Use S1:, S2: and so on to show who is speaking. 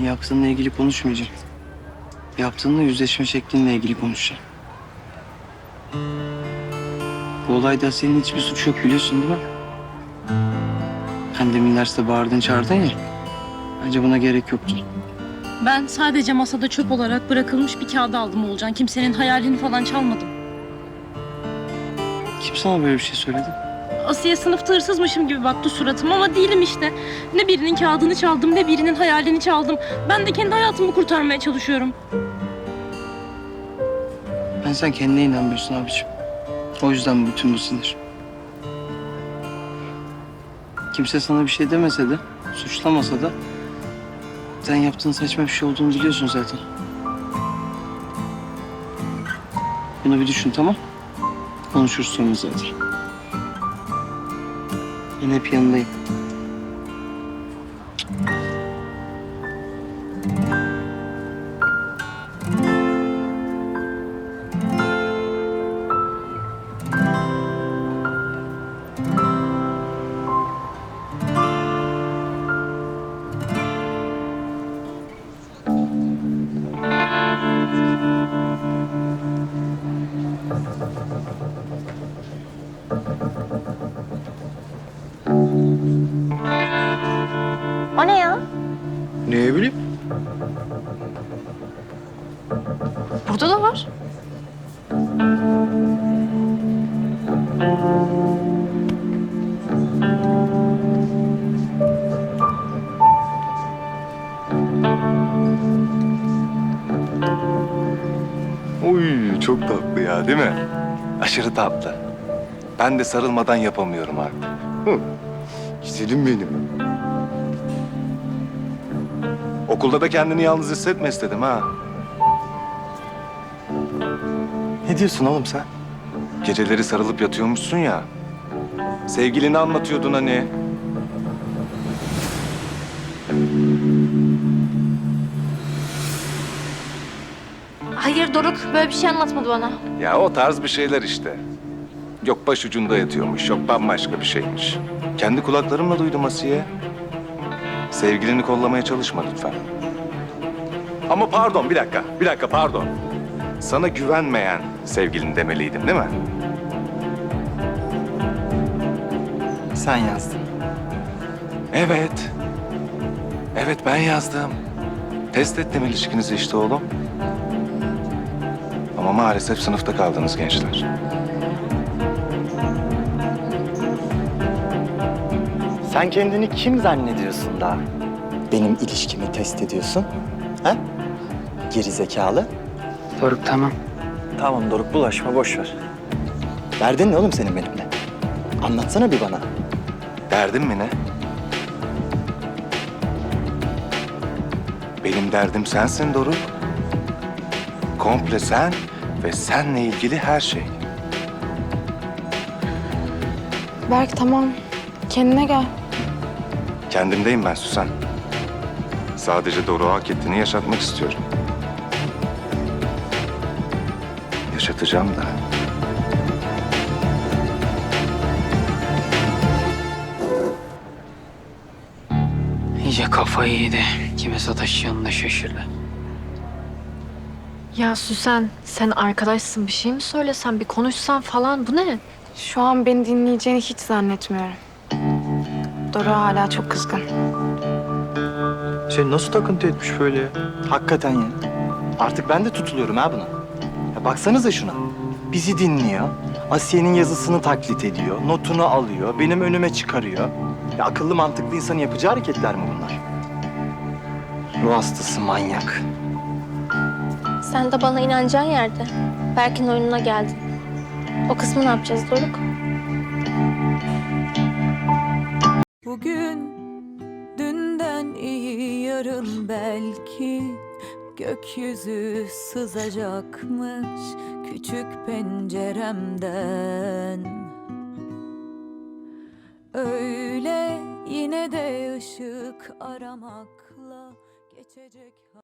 S1: yaptığınla ilgili konuşmayacağım. Yaptığınla yüzleşme şeklinle ilgili konuşacağım. Bu olayda senin hiçbir suç yok biliyorsun değil mi? Hem demin derste bağırdın çağırdın ya. Bence buna gerek yoktu.
S2: Ben sadece masada çöp olarak bırakılmış bir kağıdı aldım Oğulcan. Kimsenin hayalini falan çalmadım.
S1: Kim sana böyle bir şey söyledi?
S2: Asiye sınıfta hırsızmışım gibi baktı suratıma ama değilim işte. Ne birinin kağıdını çaldım ne birinin hayalini çaldım. Ben de kendi hayatımı kurtarmaya çalışıyorum.
S1: Sen kendine inanmıyorsun abiciğim. O yüzden bütün bu sinir. Kimse sana bir şey demese de, suçlamasa da sen yaptığın saçma bir şey olduğunu biliyorsun zaten. Bunu bir düşün tamam? Konuşuruz sonra zaten. Ben hep yanındayım.
S2: O ne ya?
S1: Ne bileyim?
S2: Burada da var.
S3: Uy çok tatlı ya değil mi? Aşırı tatlı. Ben de sarılmadan yapamıyorum artık. Hı. Güzelim benim. Okulda da kendini yalnız hissetme istedim ha. Ne diyorsun oğlum sen? Geceleri sarılıp yatıyormuşsun ya. Sevgilini anlatıyordun hani.
S4: Hayır Doruk, böyle bir şey anlatmadı bana.
S3: Ya o tarz bir şeyler işte. Yok başucunda yatıyormuş, yok bambaşka bir şeymiş. Kendi kulaklarımla duydum Asiye. Sevgilini kollamaya çalışma lütfen. Ama pardon, bir dakika pardon. Sana güvenmeyen sevgilin demeliydim değil mi?
S1: Sen yazdın.
S3: Evet. Evet ben yazdım. Test ettim ilişkinizi işte oğlum. Ama maalesef sınıfta kaldınız gençler.
S5: Sen kendini kim zannediyorsun da benim ilişkimi test ediyorsun? Ha? Geri zekalı.
S1: Doruk tamam.
S5: Tamam Doruk bulaşma boş ver. Derdin ne oğlum senin benimle? Anlatsana bir bana.
S3: Derdin mi ne? Benim derdim sensin Doruk. Komple sen ve senle ilgili her şey.
S6: Berk tamam. Kendine gel.
S3: Kendimdeyim ben Süsen. Sadece Doruk'a hak ettiğini yaşatmak istiyorum. Yaşatacağım da.
S1: İyice kafayı yedi. Kime sataşacağını da şaşırdı.
S4: Ya Süsen, sen arkadaşsın. Bir şey mi söylesen, bir konuşsan falan. Bu ne?
S6: Şu an beni dinleyeceğini hiç zannetmiyorum. Dora hala çok kızgın.
S5: Seni nasıl takıntı etmiş böyle ya? Hakikaten ya. Artık ben de tutuluyorum ha buna. Ya baksanıza şuna. Bizi dinliyor. Asiye'nin yazısını taklit ediyor. Notunu alıyor. Benim önüme çıkarıyor. Ya akıllı mantıklı insanın yapacağı hareketler mi bunlar? Ruh hastası manyak.
S4: Sen de bana inanacağın yerde. Berk'in oyununa geldin. O kısmı ne yapacağız Doruk?
S7: Bugün dünden iyi yarın belki gökyüzü sızacakmış küçük penceremden. Öyle yine de ışık aramakla geçecek.